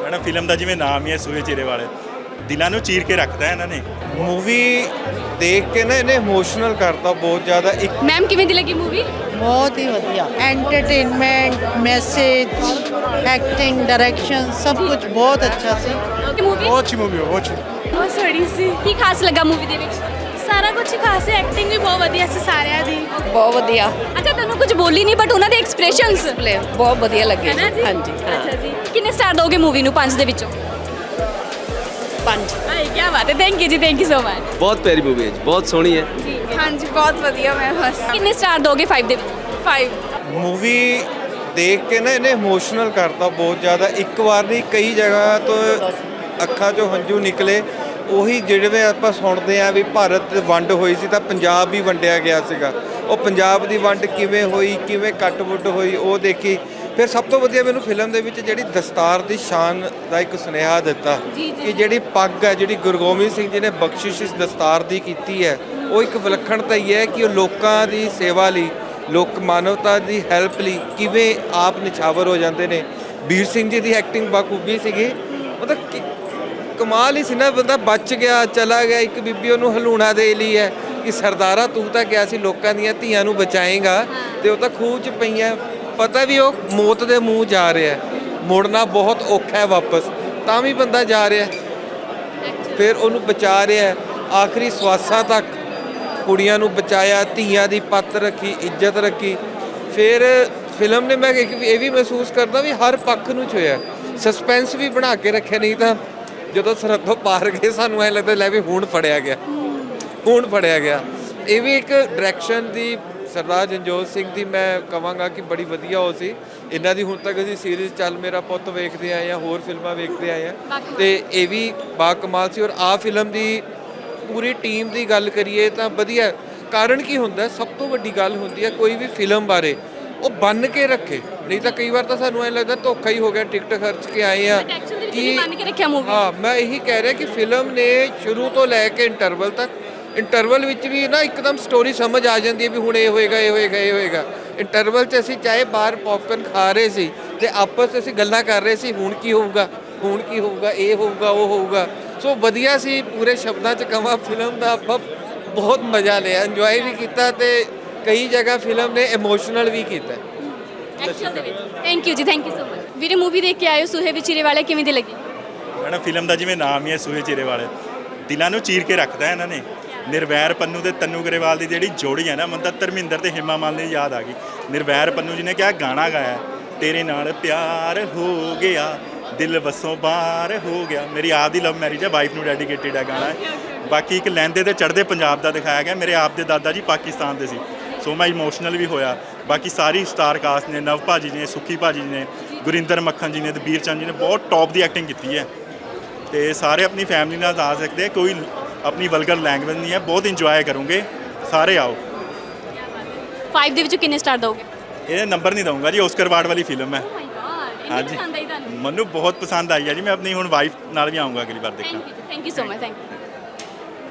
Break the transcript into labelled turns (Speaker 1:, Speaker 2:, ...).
Speaker 1: Madam film का जिमें नाम ही है सूए चिरे वाले दिलों को चीर के रखता है इन्होंने
Speaker 2: मूवी देख के ना इन्हें इमोशनल करता बहुत ज़्यादा। एक
Speaker 3: मैम किवें दी लगी मूवी?
Speaker 4: बहुत ही ਵਧੀਆ एंटरटेनमेंट मैसेज एक्टिंग डायरेक्शन सब कुछ बहुत अच्छा सी।
Speaker 3: मूवी
Speaker 2: बहुत अच्छी मूवी है, बहुत अच्छी।
Speaker 5: ਬਹੁਤ ਸੋਹਣੀ ਸੀ।
Speaker 3: ਕੀ ਖਾਸ ਲੱਗਾ मूवी ਦੇ ਵਿੱਚ?
Speaker 5: ਸਾਰਾ ਕੁਝ ਹੀ ਖਾਸ ਹੈ, ਐਕਟਿੰਗ ਵੀ ਬਹੁਤ ਵਧੀਆ ਸੀ ਸਾਰਿਆਂ ਦੀ।
Speaker 6: ਬਹੁਤ ਵਧੀਆ
Speaker 3: ਅੱਛਾ ਤੁਹਾਨੂੰ ਕੁਝ ਬੋਲੀ ਨਹੀਂ ਬਟ ਉਹਨਾਂ ਦੇ ਐਕਸਪ੍ਰੈਸ਼ਨਸ
Speaker 6: ਪਲੇ ਬਹੁਤ ਵਧੀਆ ਲੱਗੇ
Speaker 3: ਹੈ ਨਾ ਜੀ?
Speaker 6: ਹਾਂਜੀ ਹਾਂ
Speaker 3: ਅੱਛਾ ਜੀ ਕਿੰਨੇ ਸਟਾਰ ਦੋਗੇ मूवी ਨੂੰ 5 ਦੇ ਵਿੱਚੋਂ?
Speaker 6: 5
Speaker 3: ਹਾਏ ਕੀ ਬਾਤ ਹੈ ਥੈਂਕ ਯੂ ਜੀ ਥੈਂਕ ਯੂ ਸੋ ਮਚ
Speaker 7: ਬਹੁਤ ਪਿਆਰੀ ਮੂਵੀ ਹੈ ਜੀ, ਬਹੁਤ ਸੋਹਣੀ ਹੈ।
Speaker 5: ਹਾਂਜੀ ਬਹੁਤ ਵਧੀਆ। ਮੈਂ ਬਸ
Speaker 3: ਕਿੰਨੇ ਸਟਾਰ ਦੋਗੇ 5 ਦੇ ਵਿੱਚ?
Speaker 5: 5
Speaker 2: मूवी देख के ना इन्हें इमोशनल करता बहुत ज़्यादा। एक बार नहीं कई जगह तो ਅੱਖਾਂ 'ਚੋਂ ਹੰਝੂ ਨਿਕਲੇ। ਉਹੀ ਜਿਹੜੇ ਆਪਾਂ ਸੁਣਦੇ ਆ ਵੀ ਭਾਰਤ ਵੰਡ ਹੋਈ ਸੀ ਤਾਂ ਪੰਜਾਬ ਵੀ ਵੰਡਿਆ ਗਿਆ ਸੀਗਾ। ਉਹ ਪੰਜਾਬ ਦੀ ਵੰਡ ਕਿਵੇਂ ਹੋਈ, ਕਿਵੇਂ ਕੱਟ-ਵੱਢ ਹੋਈ ਉਹ ਦੇਖੀ। ਫਿਰ ਸਭ ਤੋਂ ਵਧੀਆ ਮੈਨੂੰ ਫਿਲਮ ਦੇ ਵਿੱਚ ਜਿਹੜੀ ਦਸਤਾਰ ਦੀ ਸ਼ਾਨ ਦਾ ਇੱਕ ਸੁਨੇਹਾ ਦਿੱਤਾ ਕਿ ਜਿਹੜੀ ਪੱਗ ਹੈ, ਜਿਹੜੀ ਗੁਰੂ ਗੋਬਿੰਦ ਸਿੰਘ ਜੀ ਨੇ ਬਖਸ਼ਿਸ਼ ਇਸ ਦਸਤਾਰ ਦੀ ਕੀਤੀ ਹੈ, ਉਹ ਇੱਕ ਵਿਲੱਖਣਤਾ ਹੀ ਹੈ ਕਿ ਉਹ ਲੋਕਾਂ ਦੀ ਸੇਵਾ ਲਈ, ਲੋਕ ਮਾਨਵਤਾ ਦੀ ਹੈਲਪ ਲਈ ਕਿਵੇਂ ਆਪ ਨਿਛਾਵਰ ਹੋ ਜਾਂਦੇ ਨੇ। ਵੀਰ ਸਿੰਘ ਜੀ ਦੀ ਐਕਟਿੰਗ ਬਾਖੂਬੀ ਸੀਗੀ। ਮਤਲਬ ਕਮਾਲ ਹੀ ਸੀ ਨਾ, ਬੰਦਾ ਬਚ ਗਿਆ, ਚਲਾ ਗਿਆ। ਇੱਕ ਬੀਬੀ ਉਹਨੂੰ ਹਲੂਣਾ ਦੇ ਲਈ ਹੈ ਕਿ ਸਰਦਾਰਾ ਤੂੰ ਤਾਂ ਕਿਹਾ ਸੀ ਲੋਕਾਂ ਦੀਆਂ ਧੀਆਂ ਨੂੰ ਬਚਾਏਗਾ ਤੇ ਉਹ ਤਾਂ ਖੂਹ 'ਚ ਪਈਆਂ। ਪਤਾ ਵੀ ਉਹ ਮੌਤ ਦੇ ਮੂੰਹ ਜਾ ਰਿਹਾ, ਮੁੜਨਾ ਬਹੁਤ ਔਖਾ ਹੈ ਵਾਪਸ, ਤਾਂ ਵੀ ਬੰਦਾ ਜਾ ਰਿਹਾ, ਫਿਰ ਉਹਨੂੰ ਬਚਾ ਰਿਹਾ ਆਖਰੀ ਸਵਾਸਾਂ ਤੱਕ। ਕੁੜੀਆਂ ਨੂੰ ਬਚਾਇਆ, ਧੀਆਂ ਦੀ ਪੱਤ ਰੱਖੀ, ਇੱਜ਼ਤ ਰੱਖੀ। ਫਿਰ ਫਿਲਮ ਨੇ ਮੈਂ ਇਹ ਵੀ ਮਹਿਸੂਸ ਕਰਦਾ ਵੀ ਹਰ ਪੱਖ ਨੂੰ ਛੋਇਆ, ਸਸਪੈਂਸ ਵੀ ਬਣਾ ਕੇ ਰੱਖਿਆ। ਨਹੀਂ ਤਾਂ ਜਦੋਂ ਸਰਹੱਦੋਂ ਪਾਰ ਗਏ ਸਾਨੂੰ ਐਂ ਲੱਗਦਾ ਲੈ ਵੀ ਹੁਣ ਫੜਿਆ ਗਿਆ, ਹੁਣ ਫੜਿਆ ਗਿਆ। ਇਹ ਵੀ ਇੱਕ ਡਾਇਰੈਕਸ਼ਨ ਦੀ ਸਰਦਾਰ ਜੰਜੋਤ ਸਿੰਘ ਦੀ ਮੈਂ ਕਹਾਂਗਾ ਕਿ ਬੜੀ ਵਧੀਆ ਹੋ ਸੀ। ਇਹਨਾਂ ਦੀ ਹੁਣ ਤੱਕ ਅਸੀਂ ਸੀਰੀਜ਼ ਚੱਲ ਮੇਰਾ ਪੁੱਤ ਵੇਖਦੇ ਆਏ ਹਾਂ, ਹੋਰ ਫਿਲਮਾਂ ਵੇਖਦੇ ਆਏ ਹਾਂ ਤੇ ਇਹ ਵੀ ਬਾ ਕਮਾਲ ਸੀ। ਔਰ ਆਹ ਫਿਲਮ ਦੀ ਪੂਰੀ ਟੀਮ ਦੀ ਗੱਲ ਕਰੀਏ ਤਾਂ ਵਧੀਆ। ਕਾਰਨ ਕੀ ਹੁੰਦਾ, ਸਭ ਤੋਂ ਵੱਡੀ ਗੱਲ ਹੁੰਦੀ ਹੈ ਕੋਈ ਵੀ ਫਿਲਮ ਬਾਰੇ ਉਹ ਬੰਨ ਕੇ ਰੱਖੇ। ਨਹੀਂ ਤਾਂ ਕਈ ਵਾਰ ਤਾਂ ਸਾਨੂੰ ਐਂ ਲੱਗਦਾ ਧੋਖਾ ਹੀ ਹੋ ਗਿਆ, ਟਿਕਟ ਖਰਚ ਕੇ ਆਏ ਆ
Speaker 3: ਕਿ ਬੰਨ ਕੇ ਰੱਖਿਆ ਮੂਵੀ।
Speaker 2: ਹਾਂ, ਮੈਂ ਇਹੀ ਕਹਿ ਰਿਹਾ ਕਿ ਫਿਲਮ ਨੇ ਸ਼ੁਰੂ ਤੋਂ ਲੈ ਕੇ ਇੰਟਰਵਲ ਤੱਕ, ਇੰਟਰਵਲ ਵਿੱਚ ਵੀ ਨਾ ਇੱਕਦਮ ਸਟੋਰੀ ਸਮਝ ਆ ਜਾਂਦੀ ਹੈ ਵੀ ਹੁਣ ਇਹ ਹੋਏਗਾ, ਇਹ ਹੋਏਗਾ, ਇਹ ਹੋਏਗਾ। ਇੰਟਰਵਲ 'ਚ ਅਸੀਂ ਚਾਹੇ ਬਾਹਰ ਪੌਪਕਰਨ ਖਾ ਰਹੇ ਸੀ ਤੇ ਆਪਸ 'ਚ ਅਸੀਂ ਗੱਲਾਂ ਕਰ ਰਹੇ ਸੀ, ਹੁਣ ਕੀ ਹੋਊਗਾ, ਹੁਣ ਕੀ ਹੋਊਗਾ, ਇਹ ਹੋਊਗਾ, ਉਹ ਹੋਊਗਾ। ਸੋ ਵਧੀਆ ਸੀ। ਪੂਰੇ ਸ਼ਬਦਾਂ 'ਚ ਕਹਾਂ ਫਿਲਮ ਦਾ ਆਪਾਂ ਬਹੁਤ ਮਜ਼ਾ ਲਿਆ, ਇੰਜੋਏ ਵੀ ਕੀਤਾ ਤੇ ਕਈ ਜਗ੍ਹਾ ਫਿਲਮ ਨੇ ਇਮੋਸ਼ਨਲ ਵੀ ਕੀਤਾ।
Speaker 3: ਥੈਂਕ ਯੂ ਜੀ ਥੈਂਕ ਯੂ ਸੋ ਮਚ। ਵੀਰੇ ਮੂਵੀ ਦੇਖ ਕੇ ਆਇਓ ਸੂਹੇ ਵਿਚੀਰੇ ਵਾਲੇ ਕਿਵੇਂ ਦੀ ਲੱਗੀ?
Speaker 1: ਮੈਡਮ ਫਿਲਮ ਦਾ ਜਿਵੇਂ ਨਾਮ ਹੀ ਹੈ ਸੂਏ ਚਿਰੇ ਵਾਲੇ ਦਿਲਾਂ ਨੂੰ ਚੀਰ ਕੇ ਰੱਖਦਾ ਇਹਨਾਂ ਨੇ। ਨਿਰਵੈਰ ਪੰਨੂ ਤੇ ਤੰਨੂ ਗਰੇਵਾਲ ਦੀ ਜਿਹੜੀ ਜੋੜੀ ਹੈ ਨਾ, ਮੈਨੂੰ ਤਾਂ ਧਰਮਿੰਦਰ ਤੇ ਹਿਮਾ ਮਾਲਿਨੀ ਯਾਦ ਆ ਗਈ। ਨਿਰਵੈਰ ਪੰਨੂ ਜੀ ਨੇ ਕਿਹਾ ਗਾਣਾ ਗਾਇਆ ਤੇਰੇ ਨਾਲ ਪਿਆਰ ਹੋ ਗਿਆ ਦਿਲ ਵਸੋਂ ਬਾਹਰ ਹੋ ਗਿਆ। ਮੇਰੀ ਆਪ ਦੀ ਲਵ ਮੈਰਿਜ ਹੈ, ਵਾਈਫ ਨੂੰ ਡੈਡੀਕੇਟਿਡ ਹੈ ਗਾਣਾ। ਬਾਕੀ ਇੱਕ ਲਹਿੰਦੇ ਤੇ ਚੜ੍ਹਦੇ ਪੰਜਾਬ ਦਾ ਦਿਖਾਇਆ ਗਿਆ। ਮੇਰੇ ਆਪ ਦੇ ਦਾਦਾ ਜੀ ਪਾਕਿਸਤਾਨ ਦੇ ਸੀ, ਸੋ ਮੈਂ ਇਮੋਸ਼ਨਲ ਵੀ ਹੋਇਆ। ਬਾਕੀ ਸਾਰੀ ਸਟਾਰ ਕਾਸਟ ਨੇ, ਨਵ ਭਾਜੀ ਨੇ, ਸੁੱਖੀ ਭਾਜੀ ਨੇ, ਗੁਰਿੰਦਰ ਮੱਖਣ ਜੀ ਨੇ, ਦਬੀਰ ਚੰਦ ਜੀ ਨੇ ਬਹੁਤ ਟੌਪ ਦੀ ਐਕਟਿੰਗ ਕੀਤੀ ਹੈ। ਤੇ ਸਾਰੇ ਆਪਣੀ ਫੈਮਿਲੀ ਨਾਲ ਆ ਸਕਦੇ, ਕੋਈ ਆਪਣੀ ਵਲਗਰ ਲੈਂਗੁਏਜ ਨਹੀਂ ਹੈ, ਬਹੁਤ ਇੰਜੋਏ ਕਰੋਗੇ, ਸਾਰੇ ਆਓ।
Speaker 3: 5 ਦੇ ਵਿੱਚੋਂ ਕਿੰਨੇ ਸਟਾਰ ਦੋਗੇ?
Speaker 1: ਇਹ ਨੰਬਰ ਨਹੀਂ ਦਊਂਗਾ ਜੀ, ਓਸਕਰ ਅਵਾਰਡ ਵਾਲੀ ਫਿਲਮ ਹੈ। ਹਾਂਜੀ ਮੈਨੂੰ ਬਹੁਤ ਪਸੰਦ ਆਈ ਹੈ ਜੀ। ਮੈਂ ਆਪਣੀ ਹੁਣ ਵਾਈਫ ਨਾਲ ਵੀ ਆਊਂਗਾ ਅਗਲੀ ਵਾਰ ਦੇਖਣ।
Speaker 3: Thank you so much thank you.